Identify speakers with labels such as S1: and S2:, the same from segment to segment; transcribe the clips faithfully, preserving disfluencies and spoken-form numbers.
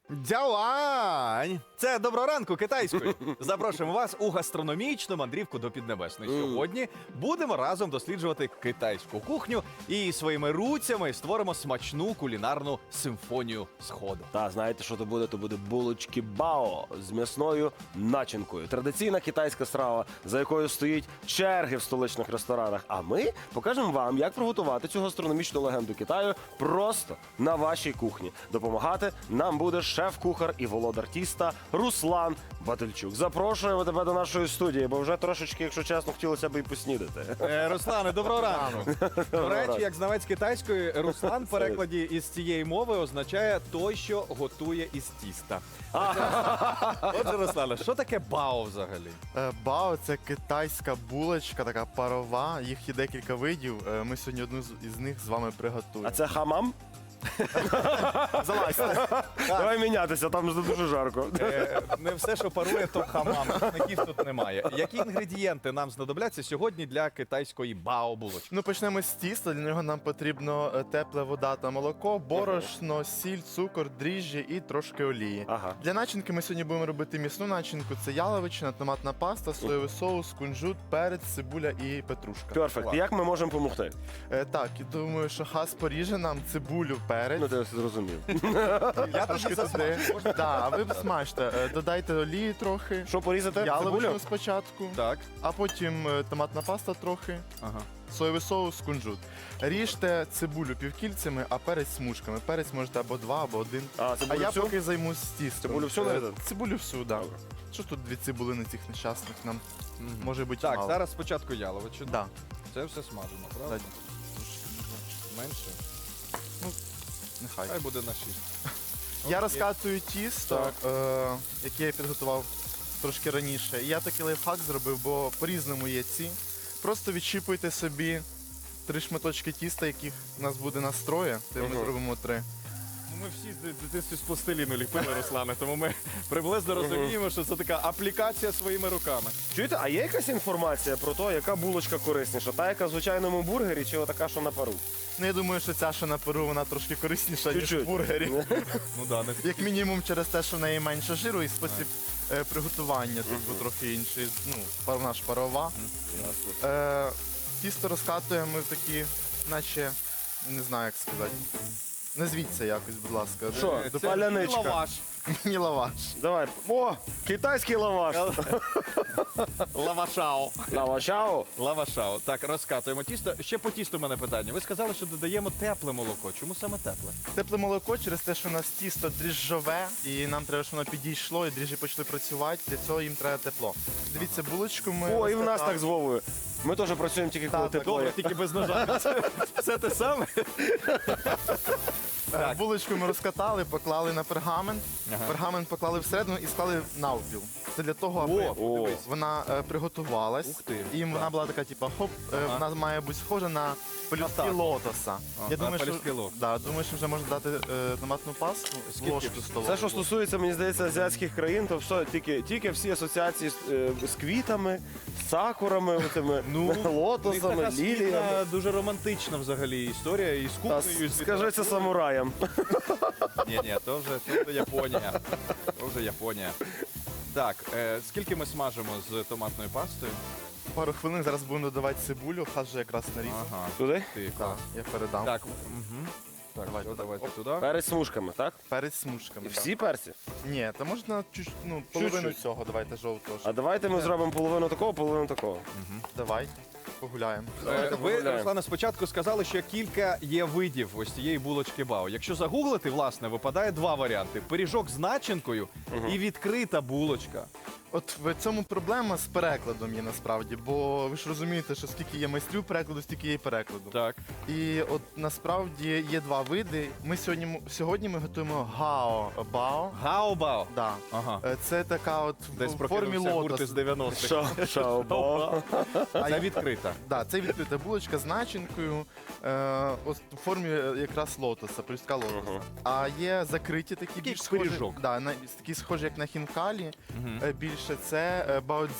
S1: Дявань! Це доброго ранку китайською. Запрошуємо вас у гастрономічну мандрівку до Піднебесної. Сьогодні будемо разом досліджувати китайську кухню і своїми руцями створимо смачну кулінарну симфонію Сходу.
S2: Та знаєте, що то буде? То буде булочки бао з м'ясною начинкою. Традиційна китайська страва, за якою стоїть черги в столичних ресторанах. А ми покажемо вам, як приготувати цю гастрономічну легенду Китаю просто на вашій кухні. Допомагати нам буде шеф-кухар і володар тіста Руслан Батильчук. Запрошуємо тебе до нашої студії, бо вже трошечки, якщо чесно, хотілося б і поснідати.
S1: Е, Руслане, доброго ранку. До речі, як знавець китайської, Руслан в перекладі із цієї мови означає той, що готує із тіста. Отже, Руслане, що таке бао взагалі?
S3: Е, Бао це китайська булочка, така парова. Їх є декілька видів. Е, Ми сьогодні одну з- із них з вами приготуємо.
S2: А це хамам?
S3: Залазьте.
S2: Давай мінятися, там ж дуже жарко.
S1: Е, Не все, що парує, то хамам. Смаків тут немає. Які інгредієнти нам знадобляться сьогодні для китайської бао-булочки?
S3: Ну, почнемо з тіста. Для нього нам потрібно е, тепла вода та молоко, борошно, сіль, цукор, дріжджі і трошки олії.
S2: Ага.
S3: Для начинки ми сьогодні будемо робити м'ясну начинку. Це яловичина, томатна паста, соєвий соус, кунжут, перець, цибуля і петрушка.
S2: Перфект. Як ми можемо допомогти?
S3: Е, Так, і думаю, що хас поріже нам цибулю, перець.
S2: Ну, ти все зрозумів.
S1: Я
S3: Трошки
S1: тоді
S3: туди.
S1: засмажу.
S3: Да, а ви смажте. Е, Додайте олії трохи.
S2: Що порізати?
S3: Яловичину
S2: Цибулю?
S3: спочатку,
S1: Так.
S3: а потім е, томатна паста трохи,
S1: Ага.
S3: соєвий соус, кунжут. Ріжте цибулю півкільцями, а перець смужками. Перець можете або два, або один.
S2: А,
S3: А
S2: цибулю
S3: я
S2: всю?
S3: поки займусь тістом.
S2: Цибулю всю
S3: Е,
S2: нарізати?
S3: Цибулю всю, так. Да.
S2: Добре.
S3: Що ж тут дві цибулини цих нещасних нам може бути
S1: Так,
S3: мало.
S1: зараз спочатку яловичину.
S3: Да.
S1: Це все смажено, правда?
S3: Да.
S1: Менше.
S3: Нехай.
S1: Хай буде на шість.
S3: Я розкатую тісто,
S1: Так.
S3: е, яке я підготував трошки раніше. І я такий лайфхак зробив, бо по-різному є ці. Просто відщіпуйте собі три шматочки тіста, яких у нас буде настроє. Ми
S2: Мгм.
S3: зробимо три.
S1: Ну, ми всі з дитинстві з пластиліну ліпили, Руслане, тому ми приблизно розуміємо, що це така аплікація своїми руками.
S2: Чуєте, а є якась інформація про те, яка булочка корисніша? Та, яка в звичайному бургері, чи отака, що на пару?
S3: Ну, я думаю, що ця, що на перу, вона трошки корисніша, ніж в
S2: Чуть-чуть.
S3: бургері.
S1: Ну да, не
S3: Як мінімум через те, що в неї менше жиру і спосіб е, приготування, типу, трохи інший. Ну, пар- вона ж парова. Е, тісто розкатуємо ми в такі, наче, не знаю, як сказати. Назвіться якось, будь ласка.
S2: Що?
S1: Це
S2: Паляничка.
S1: лаваш.
S3: Міні-лаваш.
S2: Давай. О, китайський лаваш.
S1: Лавашао.
S2: Лавашао.
S1: Лавашао. Так, розкатуємо тісто. Ще по тісту в мене питання. Ви сказали, що додаємо тепле молоко. Чому саме тепле?
S3: Тепле молоко через те, що у нас тісто дріжджове, і нам треба, щоб воно підійшло, і дріжджі почали працювати. Для цього їм треба тепло. Дивіться, булочку ми.
S2: О, і в нас
S3: розкатали.
S2: так з Вовою. Ми теж працюємо тільки коли
S3: Так, так,
S2: тепло.
S1: Добре,
S2: є.
S1: тільки без ножа. Це, це те саме?
S3: Е, Булочку ми розкатали, поклали на пергамент.
S1: Ага.
S3: Пергамент поклали всередину і склали навпіл. Це для того, аби
S2: О,
S1: дивись.
S3: вона е, приготувалась.
S1: Ух ти.
S3: І вона була така, типу, хоп, е,
S1: Ага.
S3: вона має бути схожа на пелюстки
S1: так.
S3: лотоса.
S1: А,
S3: Я
S1: на
S3: думаю,
S1: пелюстки
S3: що,
S1: лотоса.
S3: да, думаю, що вже можна дати е, томатну пасту,
S1: Скільки?
S3: ложку столову.
S2: Це, що стосується, мені здається, азіатських країн, то все, тільки, тільки всі асоціації з, е, з квітами, з сакурами, отими,
S1: Ну, У них
S2: лотосами,
S1: така
S2: ліліями.
S1: спільна, дуже романтична взагалі історія і з
S2: Та
S1: кухнею. і з
S2: скажи це самураям.
S1: Ні, ні, то вже, то вже Японія. То вже Японія. Так, е, скільки ми смажимо з томатною пастою?
S3: Пару хвилин зараз будемо додавати цибулю, хас вже якраз нарізав.
S1: Ага.
S2: Туди?
S1: Ти,
S3: Так, я передам.
S1: Так, угу. Так,
S3: Давайте,
S1: все, давайте
S3: оп.
S1: туди.
S2: Перець смужками, так?
S3: Перець смужками.
S2: І
S3: так.
S2: всі перці?
S3: Ні, то можна чуть, ну, половину
S2: Чуть-чуть.
S3: цього, давайте жовтого.
S2: А давайте ми зробимо половину такого, половину такого.
S3: Давай, погуляємо.
S1: Е,
S2: Давайте
S1: Ви,
S2: погуляємо.
S1: Руслана, спочатку сказали, що кілька є видів ось цієї булочки бао. Якщо загуглити, власне, випадає два варіанти: пиріжок з начинкою і відкрита булочка.
S3: От в цьому проблема з перекладом є насправді, бо ви ж розумієте, що скільки є майстрів перекладу, стільки є і перекладу.
S1: Так.
S3: І от насправді є два види. Ми сьогодні м- сьогодні ми готуємо гао бао.
S1: Гао-бао.
S3: Да.
S1: Ага.
S3: Е, Це така от
S1: Десь
S3: в формі
S1: прокинувся гурт
S3: лотос.
S1: із дев'яностих.
S2: Шо? Шао-бао.
S1: Це відкрита.
S3: Да, це відкрита булочка з начинкою, е, от в формі е, якраз лотоса, пелюстка лотоса.
S2: Ага.
S3: А є закриті такі більш схожі,
S1: пиріжок.
S3: да, на, такі схожі, як на хінкалі.
S1: Мгм.
S3: Е, Більше це е, баодзі.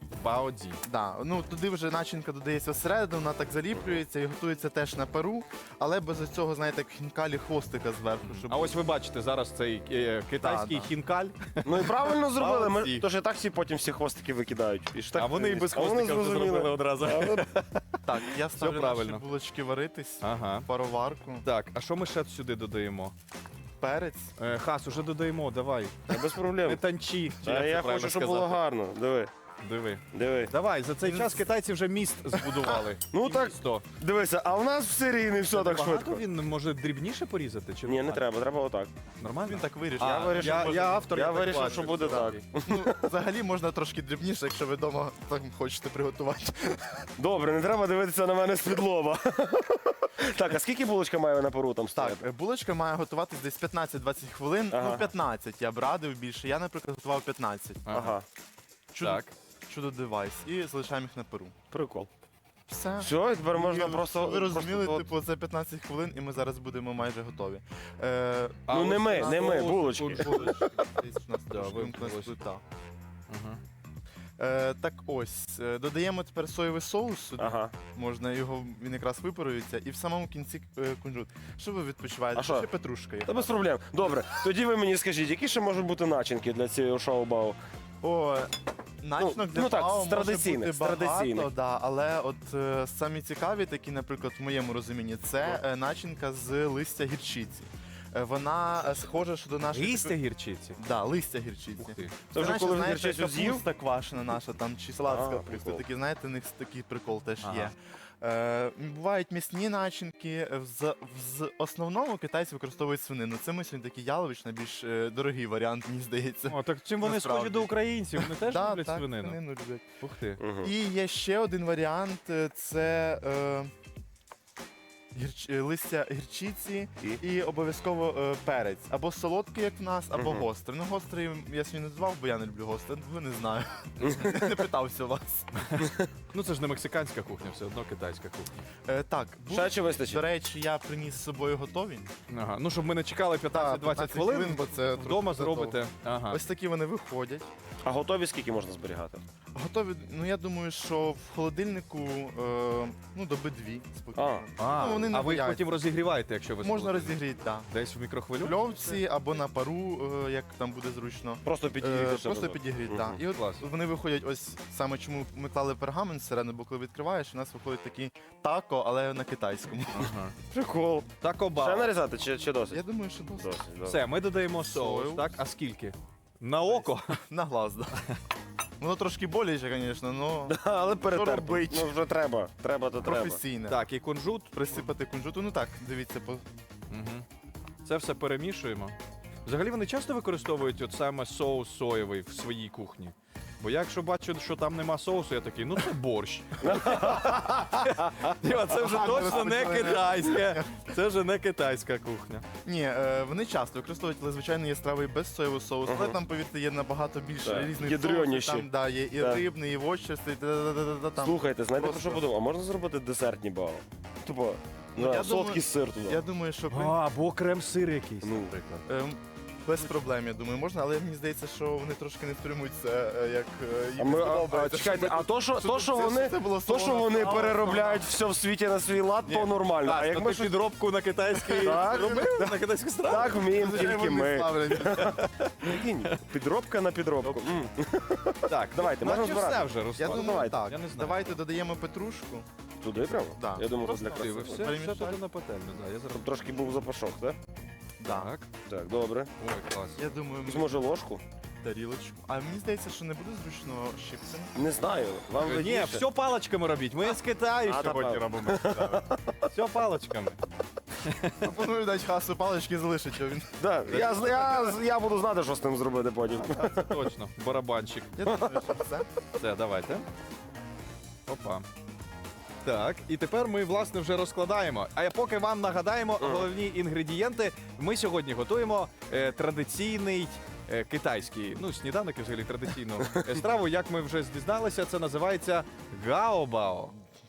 S1: Баоді.
S3: Да, ну туди вже начинка додається всередину, вона так заліплюється і готується теж на пару, але без цього, знаєте, як хінкалі хвостика зверху. Щоб...
S1: А ось ви бачите зараз цей е, китайський
S3: Да, да.
S1: хінкаль.
S2: Ну і правильно зробили. Ми,
S1: Молодці.
S2: тож і так всі потім всі хвостики викидають. І ж так,
S1: А вони і без
S2: а вони
S1: хвостика вже
S2: зрозуміли.
S1: зробили одразу.
S2: А вони-
S3: Так, я ставлю
S1: правильно.
S3: наші булочки варитись,
S1: Ага.
S3: в пароварку,
S1: Так, а що ми ще сюди додаємо?
S3: перець.
S1: Е, Хас, уже додаємо, давай.
S2: Та без
S1: Не
S2: проблем.
S1: танчі. чи
S2: А
S1: як це
S2: я
S1: правильно
S2: хочу, щоб
S1: сказати?
S2: було гарно. Диви,
S1: Диви.
S2: диви.
S1: Давай, за цей час китайці вже міст збудували.
S2: Ну так,
S1: Місто.
S2: дивися, а у нас в Сирії не все так
S1: Багато
S2: швидко.
S1: він може дрібніше порізати? Чи
S2: Ні, не
S1: нормально?
S2: треба, треба отак.
S1: Нормально?
S3: Він так вирішив.
S1: А,
S2: Я вирішив,
S1: я,
S2: може-
S1: я автор,
S2: я
S1: так
S2: вирішив,
S1: бачу.
S2: що буде так.
S3: Ну, взагалі можна трошки дрібніше, якщо ви вдома так хочете приготувати.
S2: Добре, не треба дивитися на мене з-під лоба. Так, а скільки булочка має на пару там
S3: Так,
S2: стояти?
S3: е, булочка має готуватись десь п'ятнадцять-двадцять хвилин.
S2: Ага.
S3: Ну, п'ятнадцять я б радив більше. Я, наприклад, готував п'ятнадцять.
S2: Ага,
S3: Чудо,
S1: Так.
S3: чудо девайс. І залишаємо їх на пару.
S2: прикол.
S3: Все.
S2: Все, і тепер можна
S3: І
S2: просто...
S3: Ви розуміли,
S2: просто-
S3: типу, це п'ятнадцять хвилин, і ми зараз будемо майже готові. Е,
S1: А
S2: Ну не
S1: ось
S2: ми,
S1: на
S2: не ми,
S1: соус
S2: булочки.
S3: булочки. Десь у нас
S1: Да,
S3: трошки
S1: ви-
S3: вимкнулась
S1: ось.
S3: плита.
S1: Ага.
S3: Е, так ось, е, додаємо тепер соєвий соус сюди.
S2: Ага.
S3: Можна його, він якраз випарується, і в самому кінці е, кунжут. Що ви відпочиваєте?
S2: А що?
S3: Ще петрушка є.
S2: Та без проблем. Добре, тоді ви мені скажіть, які ще можуть бути начинки для цього шоу-бау?
S3: О, начинок
S2: Ну,
S3: для
S2: ну так,
S3: пау
S2: з традиційних,
S3: може
S2: з
S3: бути багато,
S2: традиційних.
S3: да, але от е, самі цікаві, такі, наприклад, в моєму розумінні, це е, начинка з листя гірчиці. Е, вона е, схожа що до нашої...
S1: Листя гірчиці.
S3: Да, листя гірчиці.
S1: Ух ти.
S2: Це вже
S3: наче,
S2: коли
S3: знаєте,
S2: гірчицю з'їв?
S3: капуста квашена наша, там, чи салат з
S2: А,
S3: капусти.
S2: прикол.
S3: Такі, знаєте, у них такий прикол теж
S1: Ага.
S3: є. Е, бувають м'ясні начинки. В, в основному китайці використовують свинину. Це ми сьогодні такий ялович, більш е, дорогий варіант, мені здається.
S1: О, так чим вони
S3: Насправді.
S1: схожі до українців? Вони теж
S3: Да,
S1: люблять
S3: так,
S1: свинину.
S3: свинину люблять.
S1: Ух ти.
S2: Угу.
S3: І є ще один варіант е, це е, гірч, е, листя гірчиці
S2: І?
S3: і обов'язково е, перець. Або солодкий, як в нас, або
S2: Мгм.
S3: гострий. Ну, гострий я сьогодні не назвав, бо я не люблю гострий. Ви не знаю. Не питався у вас.
S1: Ну це ж не мексиканська кухня, все одно китайська кухня.
S3: Е, так, бу-
S2: Ще чи
S3: до
S2: вистачить?
S3: речі, я приніс з собою готові.
S1: Ага. Ну, щоб ми не чекали п'ятнадцять-двадцять хвилин,
S3: бо це
S1: вдома
S3: трохи
S1: зробите. Ага.
S3: Ось такі вони виходять.
S2: А готові скільки можна зберігати?
S3: Готові, ну я думаю, що в холодильнику е, ну, доби дві спокійно.
S1: А,
S3: Ну, вони не
S1: а ви їх
S3: бояться.
S1: потім розігріваєте, якщо ви
S3: Можна
S1: солодкі?
S3: розігріти, так.
S1: Десь в мікрохвилю?
S3: В льовці або на пару, е, як там буде зручно.
S2: Просто
S3: Е,
S2: підігріти.
S3: Просто
S2: разом.
S3: підігріти,
S2: Мгм.
S3: так. І от
S1: Клас.
S3: вони виходять, ось саме чому ми клали пергамент всередину, бо коли відкриваєш, у нас виходить такі тако, але на китайському.
S1: Ага.
S2: Прикол.
S1: Тако
S2: Ще
S1: бау.
S2: нарізати чи, чи досить?
S3: Я думаю, що досить.
S2: Досить, добре.
S1: Все, ми додаємо соус,
S3: Соус.
S1: так? А скільки? На око?
S3: На глаз, так. Воно трошки боляче, звісно, але
S2: Але перетерпи.
S3: робить?
S2: Ну вже треба. Треба, то треба.
S3: професійне.
S1: Так, і кунжут.
S3: Присипати кунжуту. Ну так, дивіться, по
S1: Угу. Це все перемішуємо. Взагалі вони часто використовують от саме соус соєвий в своїй кухні. Бо я якщо бачу, що там нема соусу, я такий, ну це борщ. Ні, Це вже точно не китайське. Це вже не китайська кухня.
S3: Ні, е, вони часто використовують, але звичайно є страви без соєвого соусу, але
S2: Ага.
S3: там, повірте, є набагато більше
S2: Так,
S3: різних
S2: ядреніші.
S3: соусів. Там да, є і
S2: Так.
S3: рибний, і вочерстий, та-та-та-та-та, там.
S2: Слухайте, знаєте, про
S3: просто-
S2: що подумав? А можна зробити десертні бао? Тупо,
S3: Ну,
S2: ну,
S3: я
S2: солодкий
S3: думаю-
S2: сир туди.
S3: Я думаю, що при-
S1: А, або крем-сир якийсь,
S2: Ну.
S1: наприклад.
S3: ем, без проблем, я думаю, можна, але мені здається, що вони трошки не втримуються, е, як е, їм
S2: А, ми, а, а,
S3: сподобається.
S2: чекайте,
S3: щоб ми
S2: а то, що,
S3: тут-
S2: то, що
S3: це-
S2: вони,
S3: це було
S2: то, що
S3: солона
S2: вони
S3: страва,
S2: переробляють все в світі на свій лад, то нормально. А
S1: А
S2: як
S1: як
S2: ми
S1: ти
S2: щось
S1: підробку на китайський
S2: Так.
S1: робив? На китайську страву?
S2: так вміємо,
S3: Звичайно,
S2: тільки
S3: вони
S2: ми.
S3: ставлять.
S2: Прикинь, підробка на підробку. М.
S1: Так,
S2: Давайте,
S1: ну,
S2: можна
S1: наче
S2: збирати.
S1: все вже,
S3: Я
S1: Руслан.
S3: думаю,
S2: давайте.
S3: так.
S1: Я не знаю.
S3: Давайте додаємо петрушку.
S2: Туди прямо?
S3: Да.
S2: Я думав,
S3: Просто
S2: для
S1: Ти, ви
S2: краси.
S1: все, все
S3: Перемішати.
S1: туди на пательню, да, я зараз.
S2: Щоб трошки був запашок, так?
S3: Да.
S1: Так,
S2: Так, добре.
S1: ой, клас.
S3: Я думаю,
S2: Якусь,
S3: ми
S2: може ложку?
S3: тарілочку. А мені здається, що не буде зручно щипцем.
S2: Не знаю. Вам
S1: Ні,
S2: видніше.
S1: все паличками робіть. Ми з Китаю
S2: А,
S1: сьогодні
S2: та
S1: робимо. Все паличками.
S3: Пропоную дати хасу палички залишить, а він.
S2: Да, я, з- я, з- я буду знати, що з ним зробити потім.
S1: Це точно. Барабанчик.
S3: Я думаю, що все.
S1: Все, давайте. Опа. Так, і тепер ми, власне, вже розкладаємо. А я поки вам нагадаємо головні інгредієнти. Ми сьогодні готуємо е, традиційний е, китайський, ну, сніданок і взагалі традиційну е, страву. Як ми вже дізналися, це називається гаобао.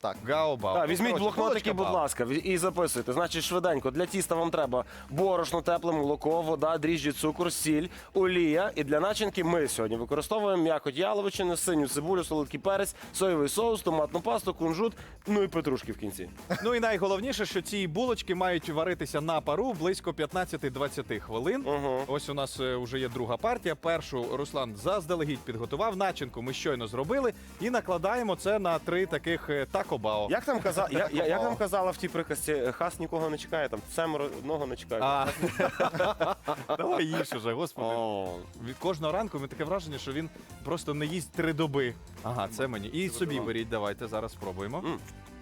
S3: Так.
S1: Гао-бао.
S2: Так, візьміть
S1: Коротше,
S2: блокнотики,
S1: булочка
S2: будь
S1: бао.
S2: ласка, ві- і записуйте. Значить, швиденько. Для тіста вам треба борошно, тепле молоко, вода, дріжджі, цукор, сіль, олія. І для начинки ми сьогодні використовуємо м'якоть яловичини, синю цибулю, солодкий перець, соєвий соус, томатну пасту, кунжут, ну і петрушки в кінці.
S1: Ну і найголовніше, що ці булочки мають варитися на пару близько п'ятнадцять-двадцять хвилин.
S2: Угу.
S1: Ось у нас е, вже є друга партія. Першу Руслан заздалегідь підготував. Начинку ми щойно зробили і накладаємо це на три таких е, тако-бао.
S2: Як там каза... я, я, як нам казала в тій приказці, хас нікого не чекає, там семеро одного не чекає.
S1: А, давай їж уже, господи.
S2: О.
S1: Від кожного ранку ми таке враження, що він просто не їсть три доби. Ага, це мені. І собі беріть, давайте зараз спробуємо.
S2: М.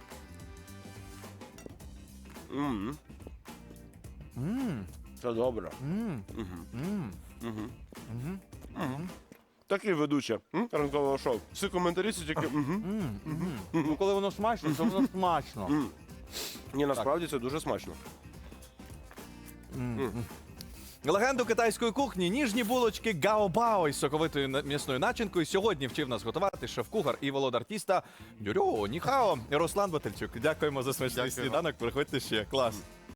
S2: М.
S1: М,
S2: Це добре.
S1: м,
S2: Мгм.
S1: м,
S2: Мгм.
S1: мгм,
S2: Мгм. Такі ведучі м, ранкового шоу. Всі коментарі це тільки. мгм.
S1: м, мгм. Ну, коли воно смачно, то воно смачно.
S2: М. Ні, насправді це дуже смачно.
S1: М, м. Легенду китайської кухні ніжні булочки гао-бао із соковитою на- м'ясною начинкою сьогодні вчив нас готувати шеф-кухар і володар тіста Дюрьо, Ніхао, Руслан Батальчук. Дякуємо за смачний
S3: Дякую вам.
S1: сніданок. Приходьте ще. Клас.